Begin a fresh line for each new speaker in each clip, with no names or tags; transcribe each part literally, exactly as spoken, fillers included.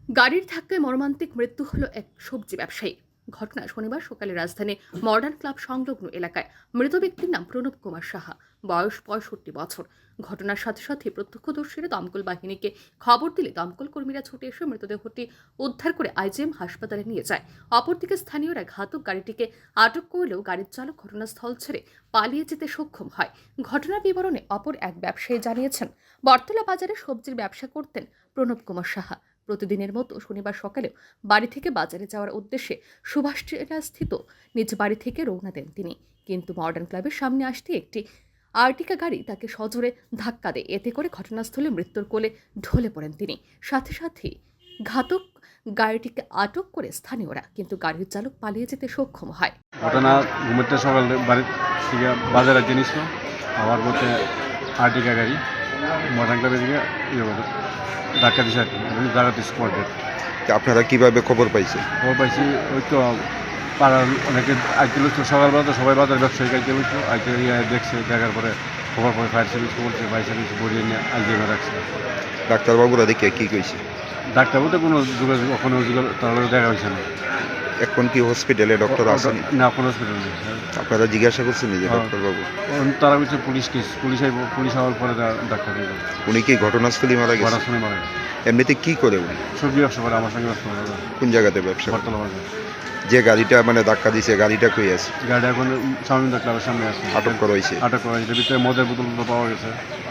গাড়ির ধাক্কায় মর্মান্তিক মৃত্যু হলো এক সবজি ব্যবসায়ী। ঘটনা শনিবার সকালে রাজধানী মডার্ন ক্লাব সংলগ্ন এলাকায়। মৃত ব্যক্তির নাম প্রণব কুমার সাহা, বয়স পঁয়ষট্টি বছর। ঘটনার সাথে সাথে প্রত্যক্ষদর্শীরা দমকল বাহিনীকে খবর দিলে দমকল কর্মীরা ছুটে এসে মৃতদেহটি উদ্ধার করে আইজিএম হাসপাতালে নিয়ে যায়। অপরদিকে স্থানীয়রা ঘাতক গাড়িটিকে আটক করলেও গাড়ির চালক ঘটনাস্থল ছেড়ে পালিয়ে যেতে সক্ষম হয়। ঘটনার বিবরণে অপর এক ব্যবসায়ী জানিয়েছেন, বটতলা বাজারে সবজির ব্যবসা করতেন প্রণব কুমার সাহা। প্রতিদিনের মতো শনিবার সকালেও বাড়ি থেকে বাজারে যাওয়ার উদ্দেশ্যে সুভাষ স্থিত নিজ বাড়ি থেকে রওনা দেন তিনি। কিন্তু মডার্ন ক্লাবের সামনে আসতে একটি আর্টিকা গাড়ি তাকে সজোরে ধাক্কা দেয়। এতে করে ঘটনাস্থলে মৃত্যুর কোলে ঢলে পড়েন তিনি। সাথে সাথে ঘাতক গাড়িটিকে আটক করে স্থানীয়রা, কিন্তু গাড়ির চালক পালিয়ে যেতে সক্ষম হয়।
ঘটনা ঘুমোতে সকালে বাড়ি থেকে বাজারে জিনিস আমার মধ্যে আর্টিকা গাড়ি মডার্ন ক্লাবের দিকে ইয়ে করে ধাক্কা দিছে আর কি, জায়গাতে স্পট ডেট।
আপনারা কিভাবে খবর পাইছেন?
খবর পাইছি ওই তো পাড়ার অনেকে আইতে লুচতো, সকালবেলা তো সবাই বাজার ব্যবসায়িক আইতে লুচতো, আইতে ইয়ে দেখছে, দেখার পরে খবর পরে ফায়ার সার্ভিস বলছে, ফায়ার সার্ভিস বড়িয়ে নিয়ে আইজিএমে রাখছে।
ডাক্তারবাবুরা দেখে কি কইছে?
ডাক্তার বলতে কোনো যোগাযোগ ওখানে যোগাযোগ তাহলে দেখা হয়েছে না।
এখন কি হসপিটালে ডক্টর আসেনি?
না, কোনো হসপিটাল নেই।
আপনারা জিজ্ঞাসা করছেন যে
হ্যাঁ।
ডাক্তারবাবু?
তারা বলছে পুলিশ কেস, পুলিশ আইব, পুলিশ হওয়ার পরে ডাক্তার দিল।
উনি কি ঘটনাস্থলে মারা
ঘটনা
গেছে?
শুনে মারা গেছে।
এমনিতে কি করে উনি?
সবজি ব্যবসা করে, আমার সঙ্গে ব্যবসা করে।
কোন জায়গাতে ব্যবসা করে?
বটতলা বাজার।
যে গাড়িটা মানে ধাক্কা দিছে গাড়িটা কই আছে?
গাড়ি এখন স্বামীন্দ্র ক্লাবের সামনে আছে,
আটক করা হয়েছে?
আটক করা হয়েছে। ভিতরে মদের বোতল পাওয়া গেছে।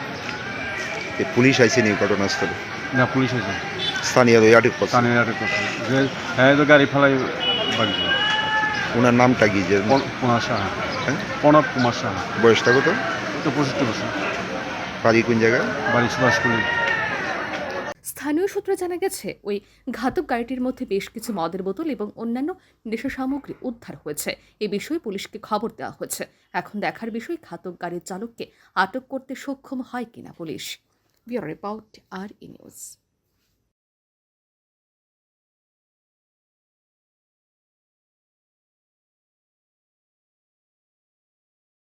এ পুলিশ আইসেনি ঘটনাস্থলে?
না, পুলিশ হয়েছে,
স্থানীয় ওই আটক করছে?
স্থানীয় আটক করছে। যে হ্যাঁ, তো গাড়ি ফেলাই বাগছে।
ওনার নামটা কি? যে
কুমার সাহা,
হ্যাঁ?
প্রণব কুমার সাহা।
বয়সটা কত?
তো পঁয়ষট্টি বছর।
বাড়ি কোন জায়গায়?
বাড়ি সুভাষকুলি।
স্থানীয় সূত্রে জানা গেছে, ওই ঘাতক গাড়িটির মধ্যে বেশ কিছু মদের বোতল এবং অন্যান্য নেশা সামগ্রী উদ্ধার হয়েছে। এ বিষয়ে পুলিশকে খবর দেওয়া হয়েছে। এখন দেখার বিষয় ঘাতক গাড়ির চালককে আটক করতে সক্ষম হয় কিনা পুলিশ। ব্যুরো রিপোর্ট, আর ই নিউজ।